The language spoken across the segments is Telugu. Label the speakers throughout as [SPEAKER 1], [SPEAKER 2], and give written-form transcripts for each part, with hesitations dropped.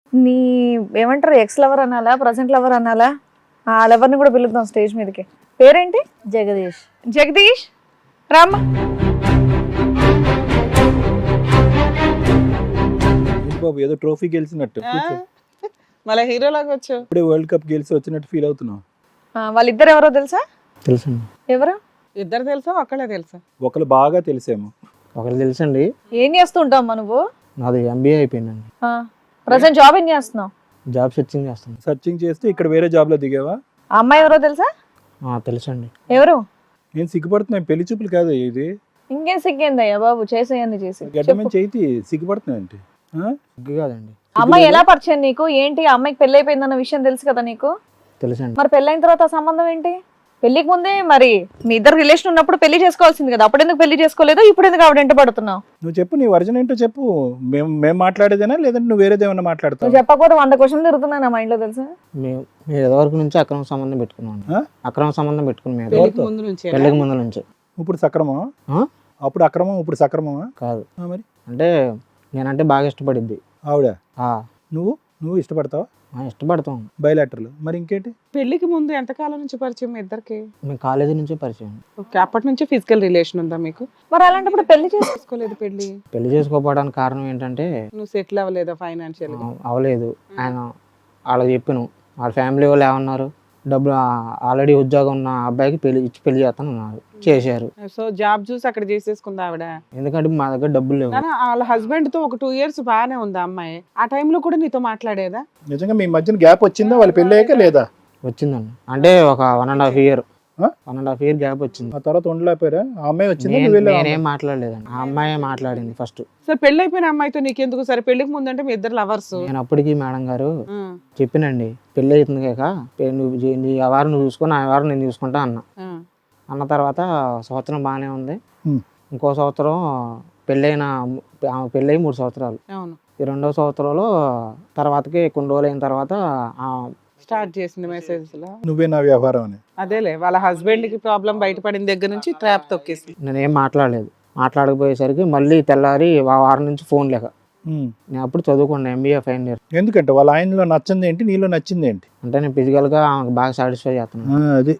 [SPEAKER 1] నీ ఏమంటారు, ఎక్స్ లవర్ అనాలా, ప్రజెంట్ లవర్ అనాలా? ఆ లవర్ని కూడా పిలుద్దాం స్టేజ్ మీదకి. పేరేంటి?
[SPEAKER 2] జగదీష్.
[SPEAKER 1] జగదీష్ రామ్మ.
[SPEAKER 3] బాబు ఏదో ట్రోఫీ గెలిచినట్టు
[SPEAKER 4] మళ్ళీ హీరోలాగా వచ్చావు.
[SPEAKER 3] ఇప్పుడే వరల్డ్ కప్ గెలిచి వచ్చినట్టు ఫీల్ అవుతున్నావు.
[SPEAKER 1] వాళ్ళిద్దరు ఎవరో తెలుసా?
[SPEAKER 5] తెలుసండి.
[SPEAKER 1] ఎవరు?
[SPEAKER 4] ఇద్దరు తెలుసా ఒక్కళ్ళే తెలుసా?
[SPEAKER 3] ఒకరు బాగా తెలిసేమో.
[SPEAKER 5] ఒకరు తెలుసండి.
[SPEAKER 1] ఏం చేస్తూ ఉంటావు నువ్వు?
[SPEAKER 5] నాది MBA అయిపోయిందండి.
[SPEAKER 1] ప్రజెంట్ జాబ్ ఏం చేస్తున్నావు?
[SPEAKER 5] జాబ్ సెర్చింగ్ చేస్తాను.
[SPEAKER 3] సర్చింగ్ చేస్తే ఇక్కడ వేరే జాబ్ లో దిగావా?
[SPEAKER 1] ఆ అమ్మాయి ఎవరో తెలుసా?
[SPEAKER 5] తెలుసండి.
[SPEAKER 1] ఎవరు?
[SPEAKER 3] నేను సిగ్గుపడుతున్నాను, పెళ్లి చూపులు కాదు ఇది.
[SPEAKER 1] ఇంకేం సిగ్గేందయ్యా బాబు, చేసేయండి చేసి.
[SPEAKER 3] గడ్డమని చేతి సిగ్గుపడుతున్నావు అంటే
[SPEAKER 5] సిగ్గు కాదండి.
[SPEAKER 1] అమ్మాయి ఎలా పరిచయం నీకు? ఏంటి ఆ అమ్మాయికి పెళ్లి అయిపోయిందన్న విషయం తెలుసు కదా నీకు?
[SPEAKER 5] తెలుసండి.
[SPEAKER 1] మరి పెళ్ళైన తర్వాత ఆ సంబంధం ఏంటి? పెళ్లికి ముందే మరి మీ ఇద్దరు రిలేషన్ ఉన్నప్పుడు పెళ్లి చేసుకోవాల్సింది కదా, అప్పుడు ఎందుకు పెళ్లి చేసుకోలేదు? ఇప్పుడు ఎందుకు ఆవిడ వెంట పడుతున్నావు?
[SPEAKER 3] నువ్వు చెప్పు, నీ వర్జన్ ఏంటో చెప్పు. మేము మాట్లాడేదేనా లేదంటే నువ్వు వేరేదేమన్నా మాట్లాడతావు?
[SPEAKER 1] నువ్వు చెప్పకపోతే 100 క్వశ్చన్లు తిరుగుతున్నాయి నా మైండ్ లో తెలుసా?
[SPEAKER 5] మీరు ఎదవరకు నుంచి అక్రమ సంబంధం పెట్టుకున్నాం. అక్రమ సంబంధం పెట్టుకుని
[SPEAKER 4] పెళ్లికి ముందు నుంచి
[SPEAKER 5] పెళ్లికి ముందు నుంచి.
[SPEAKER 3] ఇప్పుడు సక్రమం, అప్పుడు అక్రమం, ఇప్పుడు సక్రమమా?
[SPEAKER 5] కాదు.
[SPEAKER 3] మరి
[SPEAKER 5] అంటే నేనంటే బాగా ఇష్టపడిద్ది
[SPEAKER 3] ఆవిడ. నువ్వు ఇష్టపడతావా?
[SPEAKER 5] ఇష్టపడతాం.
[SPEAKER 3] బయలాటర్లు. మరి ఇంకేంటి?
[SPEAKER 4] పెళ్లికి ముందు ఎంతకాలం నుంచి పరిచయం మీ ఇద్దరికి?
[SPEAKER 5] మేము కాలేజీ నుంచే పరిచయం.
[SPEAKER 4] ఓకే, అప్పటి నుంచి ఫిజికల్ రిలేషన్ ఉందా మీకు?
[SPEAKER 1] మరి అలాంటప్పుడు పెళ్లి
[SPEAKER 4] చేసుకోలేదు.
[SPEAKER 5] పెళ్లి చేసుకోపోవడానికి కారణం ఏంటంటే
[SPEAKER 4] నువ్వు సెటిల్ అవ్వలేదా ఫైనాన్షియల్?
[SPEAKER 5] అవ్వలేదు. ఆయన వాళ్ళకి చెప్పాను, వాళ్ళ ఫ్యామిలీ వాళ్ళు ఏమన్నారు, డబ్బులు ఆల్రెడీ ఉద్యోగం ఉన్న అబ్బాయికి పెళ్లి చేస్తాను అన్నారు. చేశారు.
[SPEAKER 4] సో జాబ్ చూసి అక్కడ చేసేసుకుందా ఆవిడ?
[SPEAKER 5] ఎందుకంటే మా దగ్గర డబ్బులు లేవు.
[SPEAKER 4] వాళ్ళ హస్బెండ్ తో ఒక 2 years బాగానే ఉంది అమ్మాయి. ఆ టైంలో కూడా నీతో మాట్లాడేదా?
[SPEAKER 3] నిజంగా మీ మధ్యన గ్యాప్ వచ్చిందా వాళ్ళు పెళ్ళి అయ్యాక లేదా?
[SPEAKER 5] వచ్చిందండి. అంటే ఒక 1.5 year 1.5 year గ్యాప్ వచ్చింది.
[SPEAKER 3] ఆ తర్వాత ఉండలేకపోయారా? ఆ అమ్మాయి వచ్చింది,
[SPEAKER 5] నేనేం మాట్లాడలేదండి. ఆ అమ్మాయి మాట్లాడింది ఫస్ట్.
[SPEAKER 4] సరే పెళ్లి అయిపోయిన అమ్మాయితో నీకెందుకు? సరే పెళ్లికి ముందు అంటే మీ ఇద్దరు లవర్స్.
[SPEAKER 5] నేను అప్పటికి మేడం గారు చెప్పినండి, పెళ్లి అవుతుంది కాక నీ వారం నువ్వు చూసుకొని ఆ వారం నేను చూసుకుంటా అన్న తర్వాత సంవత్సరం బాగానే ఉంది. ఇంకో సంవత్సరం పెళ్ళైన 3 సంవత్సరాలు. ఈ 2వ సంవత్సరంలో తర్వాతకి కొన్ని రోజులు అయిన తర్వాత
[SPEAKER 4] స్టార్ట్ చేసింది మెసేజ్ లో
[SPEAKER 3] నువ్వే నా వ్యవహారం అని.
[SPEAKER 4] అదేలే, వాళ్ళ హస్బెండ్ కి ప్రాబ్లం బయటపడిన దగ్గర నుంచి ట్రాప్ తొక్కేసి.
[SPEAKER 5] నేనేం మాట్లాడలేదు. మాట్లాడకపోయేసరికి మళ్ళీ తెల్లారి వారం నుంచి ఫోన్ లేక నేను అప్పుడు చదువుకున్నాను MBA ఫైనల్ ఇయర్.
[SPEAKER 3] ఎందుకంటే వాళ్ళ ఆయనలో నచ్చింది ఏంటి, నీలో నచ్చింది ఏంటి?
[SPEAKER 5] అంటే నేను ఫిజికల్ గా ఆమెకు బాగా సాటిస్ఫై చేస్తున్నాను.
[SPEAKER 3] అది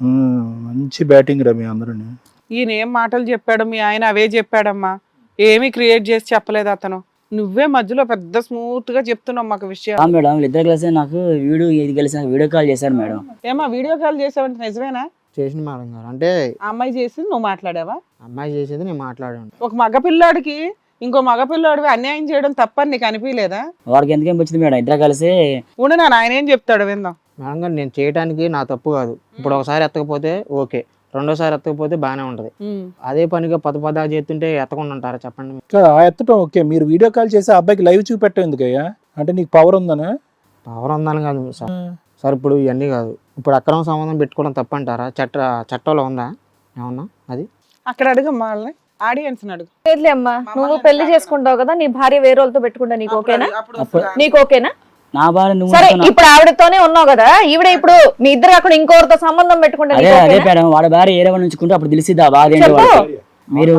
[SPEAKER 3] మంచి బ్యాటింగ్ రా మీ అందరూ.
[SPEAKER 4] ఈయన ఏం మాటలు చెప్పాడు, మీ ఆయన అవే చెప్పాడమ్మా. ఏమీ క్రియేట్ చేసి చెప్పలేదు అతను. నువ్వే మధ్యలో పెద్ద స్మూత్ గా చెప్తున్నావు మాకు విషయం.
[SPEAKER 6] మేడం ఇద్దరు కలిసి నాకు వీడియో కాల్ చేశారు మేడం.
[SPEAKER 4] ఏమా వీడియో కాల్ చేసావంటే నిజమేనా?
[SPEAKER 5] చేసింది మేడం గారు. అంటే
[SPEAKER 4] ఆ అమ్మాయి చేసింది నువ్వు మాట్లాడావా?
[SPEAKER 5] అమ్మాయి చేసేది నేను మాట్లాడాను.
[SPEAKER 4] ఒక మగపిల్లాడికి ఇంకో మగపిల్లాడివి అన్యాయం చేయడం తప్పని నీకు అనిపించలేదా?
[SPEAKER 6] వాడికి ఎందుకేం వచ్చింది మేడం, ఇద్దరు కలిసి
[SPEAKER 4] ఉండు నా ఆయన ఏం చెప్తాడు విందాం.
[SPEAKER 5] మేడం గారు నేను చేయడానికి నా తప్పు కాదు. ఇప్పుడు ఒకసారి ఎత్తకపోతే ఓకే, రెండోసారి ఎత్తకపోతే బాగానే ఉంటది. అదే పనిగా పద చేస్తుంటే ఎత్తకుండా ఉంటారా చెప్పండి?
[SPEAKER 3] ఎత్తటం ఓకే, మీరు వీడియో కాల్ చేసి ఆ అబ్బాయికి లైవ్ చూపెట్టం ఎందుకయ్యా? అంటే నీకు పవర్ ఉందనా?
[SPEAKER 5] పవర్ ఉందని కాదు సార్. సార్ ఇప్పుడు ఇవన్నీ కాదు. ఇప్పుడు అక్రమ సంబంధం పెట్టుకోవడం తప్పంటారా? చట్టంలో ఉందా ఏమన్నా? అది
[SPEAKER 4] అక్కడ అడుగమ్మా, వాళ్ళని ఆడియన్స్ అడుగు.
[SPEAKER 1] లేదులే అమ్మా, నువ్వు పెళ్లి చేసుకుంటావు కదా, నీ భార్య వేరే వాళ్ళతో పెట్టుకుంటా, నీకు ఓకేనా? నీకు ఓకేనా?
[SPEAKER 6] నా భార్య నువ్వు
[SPEAKER 1] సరే, ఇప్పుడు ఆవిడతోనే ఉన్నావు కదా, ఈవిడ ఇప్పుడు మీ ఇద్దరు అక్కడ ఇంకోరితో సంబంధం పెట్టుకుంటే
[SPEAKER 6] అదే మేడం, వాడి భార్య ఏరే వాళ్ళు ఉంచుకుంటే అప్పుడు తెలిసిద్దా బాధ ఏంటి? మీరు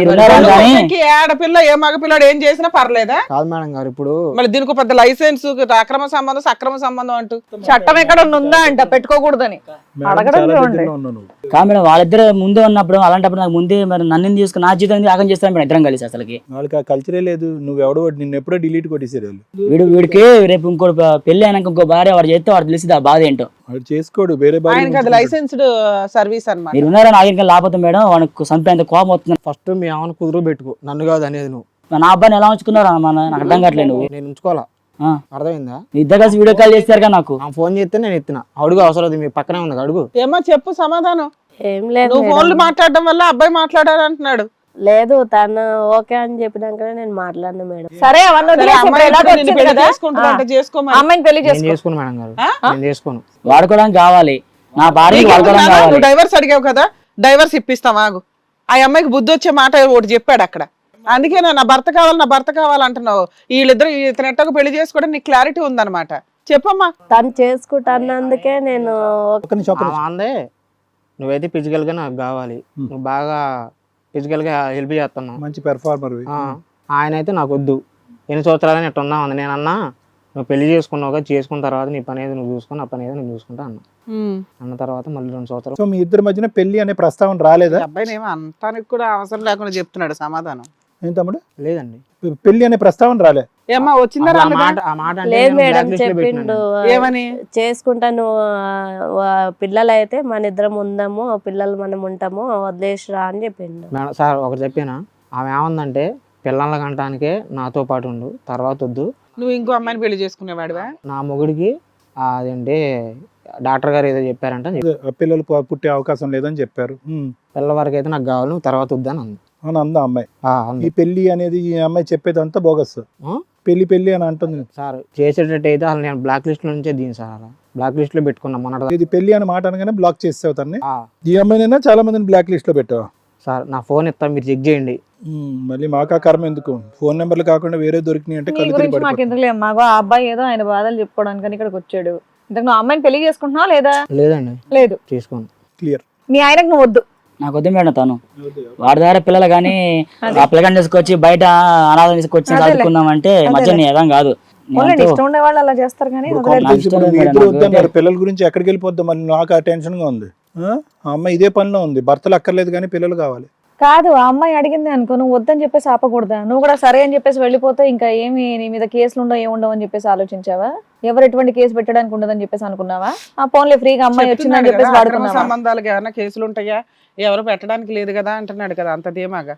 [SPEAKER 4] ఆడపిల్ల ఏ మగపిల్లాడు ఏం చేసినా పర్లేదా?
[SPEAKER 5] కాదు మేడం గారు. ఇప్పుడు
[SPEAKER 4] మళ్ళీ దీనికి పెద్ద లైసెన్స్ అక్రమ సంబంధం సక్రమ సంబంధం అంటూ
[SPEAKER 1] చట్టం ఎక్కడ ఉందా అంట పెట్టుకోకూడదని అడగడం.
[SPEAKER 6] కాదు మేడం, వాళ్ళిద్దరు ముందే ఉన్నప్పుడు అలాంటప్పుడు నాకు ముందే మరి నన్ను తీసుకుని నా జీవితం ఆగం చేస్తాను మేడం ఇద్దరం కలిసి. అసలుకి
[SPEAKER 3] వాళ్ళకి ఆ కల్చరే లేదు. నువ్వెవడో నిన్ను ఎప్పుడో డిలీట్ కొట్టేసారు వాళ్ళు.
[SPEAKER 6] వీడికి రేపు ఇంకోటి పెళ్లి అయినాక ఇంకో భార్య వాడు చేస్తే వాడు తెలిసిద్దా బాధ ఏంటో.
[SPEAKER 3] వాడు చేసుకోడు, వేరే భార్య.
[SPEAKER 4] లైసెన్స్డ్ సర్వీస్ అన్నమాట.
[SPEAKER 6] మీరు ఉన్నారా నా ఇంకా లేకపోతే మేడం వాడికి చంపేంత కోపం వస్తుంది.
[SPEAKER 5] ఫస్ట్ మీ ఆమెను కుదురు పెట్టుకో, నన్ను కాదు అనేది. నువ్వు
[SPEAKER 6] నా అబ్బాయిని ఎలా ఉంచుకున్నారా నాకు అర్థం కావట్లేదు.
[SPEAKER 5] నేను ఉంచుకోవాలా? అర్థమైందా?
[SPEAKER 6] ఇద్దరు కలిసి వీడియో కాల్ చేస్తారు నాకు.
[SPEAKER 5] ఫోన్ చేస్తే నేను ఎత్తిన. అడుగు, అవసరం మీ పక్కనే ఉంది, అడుగు.
[SPEAKER 4] ఏమో చెప్పు సమాధానం.
[SPEAKER 2] ఏం లేదు,
[SPEAKER 4] నువ్వు ఫోన్లు మాట్లాడడం వల్ల అబ్బాయి మాట్లాడారు అంటున్నాడు.
[SPEAKER 2] లేదు తను ఓకే అని చెప్పినాకనే నేను మాట్లాడినా మేడం.
[SPEAKER 1] సరే అవన్నీ అమ్మాయిని పెళ్లి
[SPEAKER 5] చేసుకోను మేడం గారు, నేను చేసుకోను.
[SPEAKER 6] వాడుకోవడానికి కావాలి నా భార్య, వాడుకోవడానికి కావాలి.
[SPEAKER 4] డైవర్స్ అడిగావు కదా, డైవర్స్ ఇప్పిస్తాం ఆగు. ఆ అమ్మాయికి బుద్ధి వచ్చే మాట ఒకటి చెప్పాడు అక్కడ. అందుకే నా భర్త కావాలంటున్నావు. వీళ్ళిద్దరు ఇతను ఎట్టకు పెళ్లి చేసుకోవడం నీకు క్లారిటీ ఉందన్నమాట. చెప్పమ్మా.
[SPEAKER 2] తను చేసుకుంటానందుకే నేను
[SPEAKER 5] అందే. నువ్వైతే ఫిజికల్ గా నాకు కావాలి, నువ్వు బాగా ఫిజికల్ గా హెల్ప్ చేస్తున్నావు,
[SPEAKER 3] మంచి పెర్ఫార్మర్.
[SPEAKER 5] ఆయన అయితే నాకు వద్దు. ఎన్ని సంవత్సరాలని ఎట్లా ఉందా ఉంది. నేనన్నా నువ్వు పెళ్లి చేసుకున్నావుగా, చేసుకున్న తర్వాత నీ పని ఏదో నువ్వు చూసుకుని, ఆ పని ఏదో నేను చూసుకుంటా అన్న. అన్న తర్వాత మళ్ళీ 2 సంవత్సరాలు
[SPEAKER 3] సో మీ ఇద్దరి మధ్యన పెళ్లి అనే ప్రస్తావన రాలేదా?
[SPEAKER 4] ఈ అబ్బాయిని ఏమో అంతానికి కూడా అవసరం లేకుండా చెప్తున్నాడు సమాధానం.
[SPEAKER 3] ఏం తమ్ముడు,
[SPEAKER 5] లేదండి.
[SPEAKER 3] పెళ్లి అనే ప్రస్తావన రాలే?
[SPEAKER 4] ఏమ్మా వచ్చిందా
[SPEAKER 5] అసలు ఆ
[SPEAKER 4] రాలేదా?
[SPEAKER 5] మాట ఆ మాట అంటే
[SPEAKER 2] లేదు
[SPEAKER 5] నేను
[SPEAKER 2] మేడం,
[SPEAKER 5] blacklist లో
[SPEAKER 2] చెప్పిండు
[SPEAKER 5] పెట్టినాను.
[SPEAKER 4] ఏమని?
[SPEAKER 2] చేసుకుంటాను, పిల్లలు అయితే మన ఇద్దరం ఉందాము, పిల్లలు మనం ఉంటాము, వదిలేసిరా అని చెప్పిండు.
[SPEAKER 5] మేడం సార్ ఒకటి చెప్పానా, ఆమె ఏమందంటే పిల్లల కంటానికే నాతో పాటు ఉండు, తర్వాత వద్దు.
[SPEAKER 4] నువ్వు ఇంకో అమ్మాయిని పెళ్లి చేసుకునేవాడివా?
[SPEAKER 5] నా మొగుడికి అదేంటి డాక్టర్ గారు ఏదో చెప్పారంట,
[SPEAKER 3] పిల్లలు పుట్టే అవకాశం లేదని చెప్పారు.
[SPEAKER 5] పిల్ల వరకు అయితే నాకు కావాలి, నువ్వు తర్వాత వద్దని అంది.
[SPEAKER 3] అని అందా అమ్మాయి.
[SPEAKER 5] అంది.
[SPEAKER 3] ఈ పెళ్లి అనేది ఈ అమ్మాయి చెప్పేది అంతా బోగస్. పెళ్లి పెళ్లి అని అంటుంది.
[SPEAKER 5] సార్ చేసేటట్టు అయితే అసలు నేను బ్లాక్ లిస్ట్ నుంచే దీని సార్, అలా బ్లాక్ లిస్ట్ లో పెట్టుకున్నా మొన్నటి
[SPEAKER 3] ఇది పెళ్లి అని మాట అనగానే బ్లాక్ చేసావు తన్ని. ఈ అమ్మాయినైనా చాలా మందిని బ్లాక్ లిస్ట్ లో పెట్టావు.
[SPEAKER 5] సార్ నా ఫోన్ ఇస్తాను, మీరు చెక్ చేయండి.
[SPEAKER 3] మళ్ళీ మాకా కర్మ ఎందుకు, ఫోన్ నెంబర్లు కాకుండా వేరే దొరికినాయి అంటే
[SPEAKER 1] నీ
[SPEAKER 3] కళ్ళు
[SPEAKER 1] గురించి
[SPEAKER 3] తిరిగి
[SPEAKER 1] మాకు
[SPEAKER 3] పడిపోతాం.
[SPEAKER 1] ఎందుకు మాకు ఆ అబ్బాయి ఏదో ఆయన బాధలు చెప్పుకోవడానికి ఇక్కడికి వచ్చాడు. ఇంతకు నువ్వు అమ్మాయిని పెళ్లి చేసుకుంటున్నావా లేదా?
[SPEAKER 5] లేదండి,
[SPEAKER 1] లేదు.
[SPEAKER 5] చేసుకోండి.
[SPEAKER 3] క్లియర్.
[SPEAKER 1] మీ ఆయనకు నువ్వు వద్దు.
[SPEAKER 6] నాకు వద్దు మేడం, తను వాడి దగ్గర పిల్లలు కానీ ఆ పిల్లగాని తీసుకొచ్చి బయట అనాథం తీసుకొచ్చి చదువుకున్నామంటే మధ్య నీ ఏదం కాదు.
[SPEAKER 1] పోన్లేండి, ఇష్టం ఉండే వాళ్ళు అలా చేస్తారు కానీ
[SPEAKER 3] ఇప్పుడు
[SPEAKER 1] వదిలేరు.
[SPEAKER 3] కాంపిటీషన్ ఇప్పుడు మీ
[SPEAKER 6] నాకు
[SPEAKER 3] ఇద్దరు
[SPEAKER 6] ఇష్టం
[SPEAKER 3] వద్దన్నారు, పిల్లల గురించి ఎక్కడికి వెళ్ళిపోద్దాం మళ్ళీ, నాకు ఆ టెన్షన్ గా ఉంది. ఆ అమ్మాయి ఇదే పనిలో ఉంది, భర్తలు అక్కర్లేదు కానీ పిల్లలు కావాలి.
[SPEAKER 1] కాదు, ఆ అమ్మాయి అడిగింది అనుకో, నువ్వు వద్దని చెప్పేసి ఆపకూడదా? నువ్వు కూడా సరే అని చెప్పేసి వెళ్ళిపోతే ఇంకా ఏమి నీ మీద కేసులు ఉండవు ఏముండవు అని చెప్పేసి ఆలోచించావా? ఎవరు ఎటువంటి కేసు పెట్టడానికి ఉండదని చెప్పేసి అనుకున్నావా? ఆ ఫోన్లే ఫ్రీగా అమ్మాయి వచ్చిందని
[SPEAKER 4] చెప్తున్నాడు
[SPEAKER 1] చెప్పేసి
[SPEAKER 4] కదా, అక్రమ
[SPEAKER 1] వాడుకున్నావా?
[SPEAKER 4] సంబంధాలకు ఏమైనా కేసులు ఉంటాయా? ఎవరు పెట్టడానికి లేదు కదా అంటున్నాడు కదా, అంత ధీమాగా.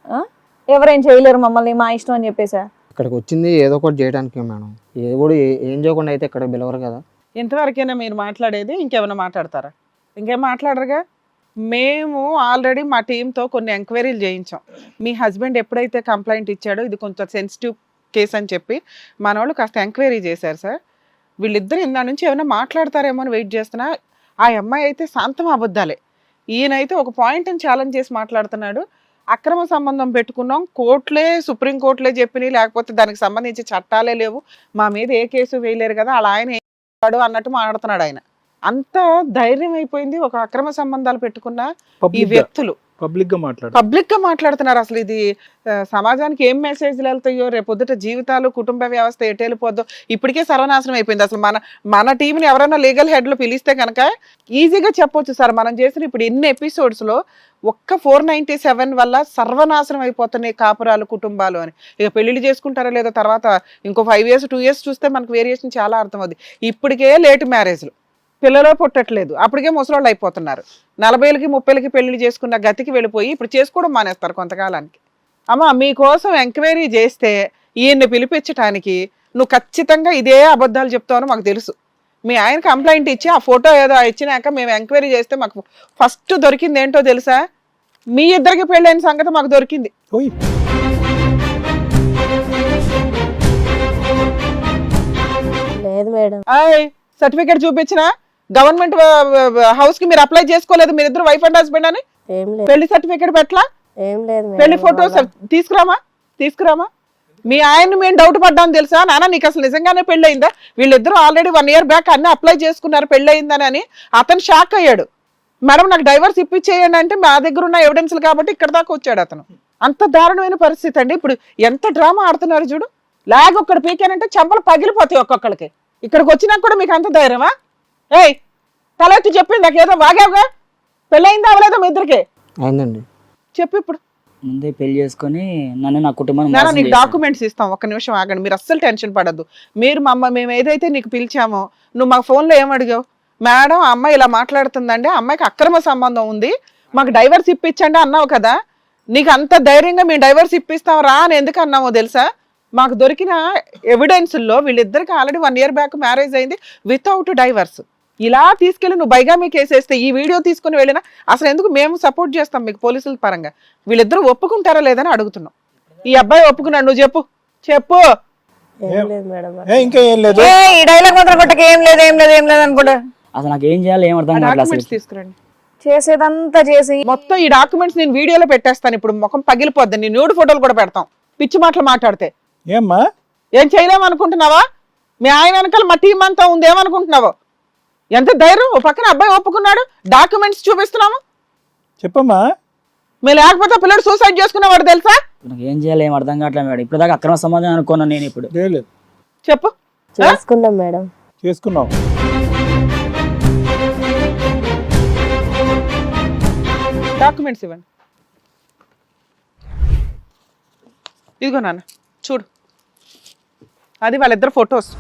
[SPEAKER 1] ఎవరేం చేయలేరు మమ్మల్ని, మా ఇష్టం అని చెప్పేసా?
[SPEAKER 5] ఇక్కడికి వచ్చింది ఏదో ఒకటి చేయడానికి మేడం, ఏదో కూడా ఏం చేయకుండా అయితే ఇక్కడ పిలవరు కదా.
[SPEAKER 4] ఇంతవరకైనా మీరు మాట్లాడేది? ఇంకేమైనా మాట్లాడతారా? ఇంకేం మాట్లాడరుగా. మేము ఆల్రెడీ మా టీంతో కొన్ని ఎంక్వైరీలు చేయించాం. మీ హస్బెండ్ ఎప్పుడైతే కంప్లైంట్ ఇచ్చాడో ఇది కొంచెం సెన్సిటివ్ కేసు అని చెప్పి మన వాళ్ళు కాస్త ఎంక్వైరీ చేశారు సార్. వీళ్ళిద్దరు ఇందా నుంచి ఏమైనా మాట్లాడతారేమో అని వెయిట్ చేస్తున్నా. ఆ అమ్మాయి అయితే శాంతం అబద్ధాలే, ఈయనైతే ఒక పాయింట్ని ఛాలెంజ్ చేసి మాట్లాడుతున్నాడు. అక్రమ సంబంధం పెట్టుకున్నాం, కోర్టులే సుప్రీంకోర్టులే చెప్పినాయి, లేకపోతే దానికి సంబంధించి చట్టాలే లేవు, మా మీద ఏ కేసు వేయలేరు కదా, అలా ఆయన ఏం చేస్తాడు అన్నట్టు మాట్లాడుతున్నాడు ఆయన. అంత ధైర్యం అయిపోయింది ఒక అక్రమ సంబంధాలు పెట్టుకున్న ఈ వ్యక్తులు
[SPEAKER 3] పబ్లిక్ గా మాట్లాడు,
[SPEAKER 4] పబ్లిక్ గా మాట్లాడుతున్నారు. అసలు ఇది సమాజానికి ఏం మెసేజ్లు వెళ్తాయో, రేపొద్దుట జీవితాలు, కుటుంబ వ్యవస్థ ఎటు వెళ్ళిపోద్దో. ఇప్పటికే సర్వనాశనం అయిపోయింది. అసలు మన టీంని ఎవరైనా లీగల్ హెడ్లు పిలిస్తే కనుక ఈజీగా చెప్పొచ్చు సార్, మనం చేసిన ఇప్పుడు ఎన్ని ఎపిసోడ్స్ లో ఒక్క 497 వల్ల సర్వనాశనం అయిపోతున్నాయి కాపురాలు, కుటుంబాలు అని. ఇక పెళ్లిళ్ళు చేసుకుంటారో లేదో తర్వాత ఇంకో 5 years 2 years చూస్తే మనకు వేరియేషన్ చాలా అర్థమవుతుంది. ఇప్పటికే లేట్ మ్యారేజ్లు, పిల్లలు పుట్టట్లేదు, అప్పటికే ముసలోళ్ళు అయిపోతున్నారు. 40 30 పెళ్లిళ్ళు చేసుకున్న గతికి వెళ్ళిపోయి ఇప్పుడు చేసుకోవడం మానేస్తారు కొంతకాలానికి. అమ్మ మీకోసం ఎంక్వైరీ చేస్తే ఈయన్ని పిలిపించడానికి నువ్వు ఖచ్చితంగా ఇదే అబద్ధాలు చెప్తావని మాకు తెలుసు. మీ ఆయన కంప్లైంట్ ఇచ్చి ఆ ఫోటో ఏదో ఇచ్చినాక మేము ఎంక్వైరీ చేస్తే మాకు ఫస్ట్ దొరికింది ఏంటో తెలుసా? మీ ఇద్దరికి పెళ్ళైన సంగతి మాకు దొరికింది.
[SPEAKER 3] ఓయ్
[SPEAKER 2] లేదు మేడం,
[SPEAKER 4] సర్టిఫికేట్ చూపించిన గవర్నమెంట్ హౌస్ కి మీరు అప్లై చేసుకోలేదు, మీరిద్దరు వైఫ్ అండ్ హస్బెండ్ అని.
[SPEAKER 2] ఏం లేదు,
[SPEAKER 4] పెళ్లి సర్టిఫికేట్ పెట్టలా?
[SPEAKER 2] ఏం లేదు
[SPEAKER 4] పెళ్లి
[SPEAKER 2] మేడం.
[SPEAKER 4] ఫోటోస్ తీసుకురామా. మీ ఆయన్ని మేము డౌట్ పడ్డాను తెలుసా? నాన్న నీకు అసలు నిజంగానే పెళ్ళయిందా? వీళ్ళిద్దరూ ఆల్రెడీ 1 year బ్యాక్ అన్ని అప్లై చేసుకున్నారు పెళ్ళయిందని అని. అతను షాక్ అయ్యాడు. మేడం నాకు డైవర్స్ ఇప్పించేయండి అంటే మా దగ్గర ఉన్న ఎవిడెన్స్లు కాబట్టి ఇక్కడ దాకా వచ్చాడు అతను. అంత దారుణమైన పరిస్థితి అండి. ఇప్పుడు ఎంత డ్రామా ఆడుతున్నారు చూడు. లాగ్ ఒక్కడు పీకానంటే చెంపలు పగిలిపోతాయి ఒక్కొక్కడికి. ఇక్కడికి వచ్చినాక కూడా మీకు అంత ధైర్యమా? ఏయ్ తలెత్తి చెప్పింది నాకేదో వాగావుగా, పెళ్ళయిందా అవలేదా మీ ఇద్దరికి?
[SPEAKER 5] అయిందండి.
[SPEAKER 4] చెప్పు ఇప్పుడు.
[SPEAKER 6] ముందే పెళ్లి చేసుకొని నన్ను నా కుటుంబాన్ని
[SPEAKER 4] నాన్న
[SPEAKER 6] మోసం
[SPEAKER 4] నీకు
[SPEAKER 6] చేశాడు.
[SPEAKER 4] డాక్యుమెంట్స్ ఇస్తాం, ఒక్క నిమిషం ఆగండి, మీరు అస్సలు టెన్షన్ పడద్దు. మీరు మేము ఏదైతే నీకు పిలిచామో నువ్వు మా ఫోన్లో ఏమడిగావు? మేడం ఆ అమ్మాయి ఇలా మాట్లాడుతుందండి, ఆ అమ్మాయికి అక్రమ సంబంధం ఉంది, మాకు డైవర్స్ ఇప్పించండి అన్నావు కదా. నీకు అంత ధైర్యంగా మేము డైవర్స్ ఇప్పిస్తాం రా అని ఎందుకు అన్నామో తెలుసా? మాకు దొరికిన ఎవిడెన్స్లో వీళ్ళిద్దరికి ఆల్రెడీ 1 year బ్యాక్ మ్యారేజ్ అయింది వితౌట్ డైవర్స్. ఇలా తీసుకెళ్ళి నువ్వు బైగామీ కేసు వేస్తే ఈ వీడియో తీసుకుని వెళ్ళినా అసలు ఎందుకు మేము సపోర్ట్ చేస్తాం మీకు పోలీసుల పరంగా. వీళ్ళిద్దరూ ఒప్పుకుంటారా లేదని అడుగుతున్నాం. ఈ అబ్బాయి ఒప్పుకున్నాడు, నువ్వు చెప్పు.
[SPEAKER 2] ఏం లేదు మేడం.
[SPEAKER 3] ఇంకా ఏం లేదు.
[SPEAKER 1] ఈ డైలాగ్ మాత్రం కొట్టక ఏం లేదు అనుకుంటా.
[SPEAKER 6] అసలు నాకు ఏం చేయాలి ఏం అర్థం కావట్లేదు అసలు.
[SPEAKER 4] డాక్యుమెంట్స్ తీసుకురండి.
[SPEAKER 1] చేసేదంతా చేసి
[SPEAKER 4] మొత్తం ఈ డాక్యుమెంట్స్ నేను వీడియోలో పెట్టేస్తాను. ఇప్పుడు ముఖం పగిలిపోద్ది, నీ న్యూడ్ ఫోటోలు కూడా పెడతాం. పిచ్చి మాటలు మాట్లాడితే
[SPEAKER 3] ఏమ్మా
[SPEAKER 4] ఏం చేయలేమనుకుంటున్నావా? మీ ఆయన వెనకాల మా టీం అంతా ఉంది, ఏమనుకుంటున్నావో? ఎంత ధైర్యం! ఓ పక్కన అబ్బాయి ఒప్పుకున్నాడు, డాక్యుమెంట్స్ చూపిస్తున్నాము.
[SPEAKER 3] చెప్పమ్మా.
[SPEAKER 4] మీరు లేకపోతే పిల్లడు సూసైడ్ చేసుకునేవాడు తెలుసా?
[SPEAKER 6] నాకు ఏం చేయాలి ఏం అర్థం కావట్లేదు మేడం. ఇప్పుడు దాకా అక్రమ సంబంధం అనుకున్నాను నేను. ఇప్పుడు
[SPEAKER 4] చెప్పు.
[SPEAKER 2] చేసుకున్నాం మేడం.
[SPEAKER 3] చేసుకున్నావు.
[SPEAKER 4] డాక్యుమెంట్స్ ఇవ్వండి. ఇదిగో నాన్న చూడు, అది వాళ్ళిద్దరు ఫొటోస్.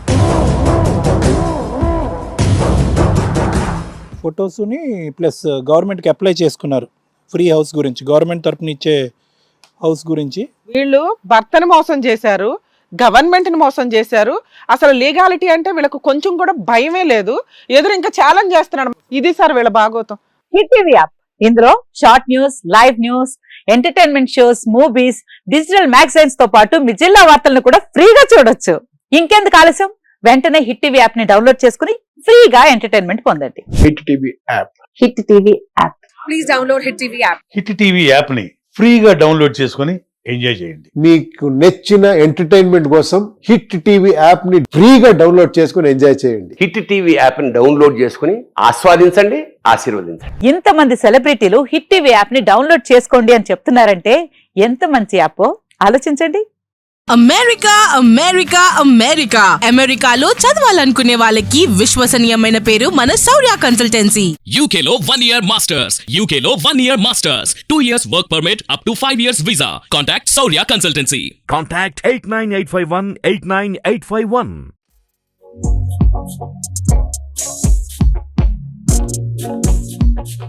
[SPEAKER 3] ఫొటోస్ని ప్లస్ గవర్నమెంట్కి అప్లై చేసుకున్నారు ఫ్రీ హౌస్ గురించి, గవర్నమెంట్ తరపున ఇచ్చే హౌస్ గురించి.
[SPEAKER 4] వీళ్ళు భర్తను మోసం చేశారు, గవర్నమెంట్ని మోసం చేశారు. అసలు లీగాలిటీ అంటే వీళ్ళకు కొంచెం కూడా భయమే లేదు. ఎదురు ఇంకా ఛాలెంజ్ చేస్తున్నాడు. ఇది సార్ వీళ్ళ భాగోతం.
[SPEAKER 7] హిట్ టీవీ యాప్, ఇందులో short news, live news, entertainment shows, movies, digital magazines తో పాటు మీ జిల్లా వార్తలను కూడా ఫ్రీగా చూడొచ్చు. ఇంకెందుకు ఆలస్యం, వెంటనే హిట్ టీవీ యాప్ ని డౌన్లోడ్ చేసుకుని ఫ్రీగా ఎంటర్టైన్మెంట్ పొందండి.
[SPEAKER 8] Hit TV app.
[SPEAKER 7] Hit TV app.
[SPEAKER 1] Please download Hit TV app.
[SPEAKER 9] Hit TV app ని ఫ్రీగా డౌన్లోడ్ చేసుకొని ఎంజాయ్ చేయండి.
[SPEAKER 8] మీకు నచ్చిన ఎంటర్టైన్మెంట్ కోసం హిట్ టీవీ యాప్ ని ఫ్రీగా డౌన్లోడ్ చేసుకొని ఎంజాయ్ చేయండి.
[SPEAKER 10] హిట్ టీవీ యాప్ ని డౌన్లోడ్ చేసుకుని ఆస్వాదించండి, ఆశీర్వదించండి.
[SPEAKER 7] ఇంతమంది సెలబ్రిటీలు హిట్ టీవీ యాప్ ని డౌన్లోడ్ చేసుకోండి అని చెప్తున్నారంటే ఎంత మంచి యాప్ ఆలోచించండి.
[SPEAKER 11] అమెరికా అమెరికా అమెరికా అమెరికాలో చదవాలనుకునే వాళ్ళకి విశ్వసనీయమైన పేరు మన శౌర్య కన్సల్టెన్సీ.
[SPEAKER 12] UK లో 1 year masters, UK లో 1 year masters, 2 years work permit up to 5 years visa. Contact Saurya Consultancy.
[SPEAKER 13] Contact 89851 89851.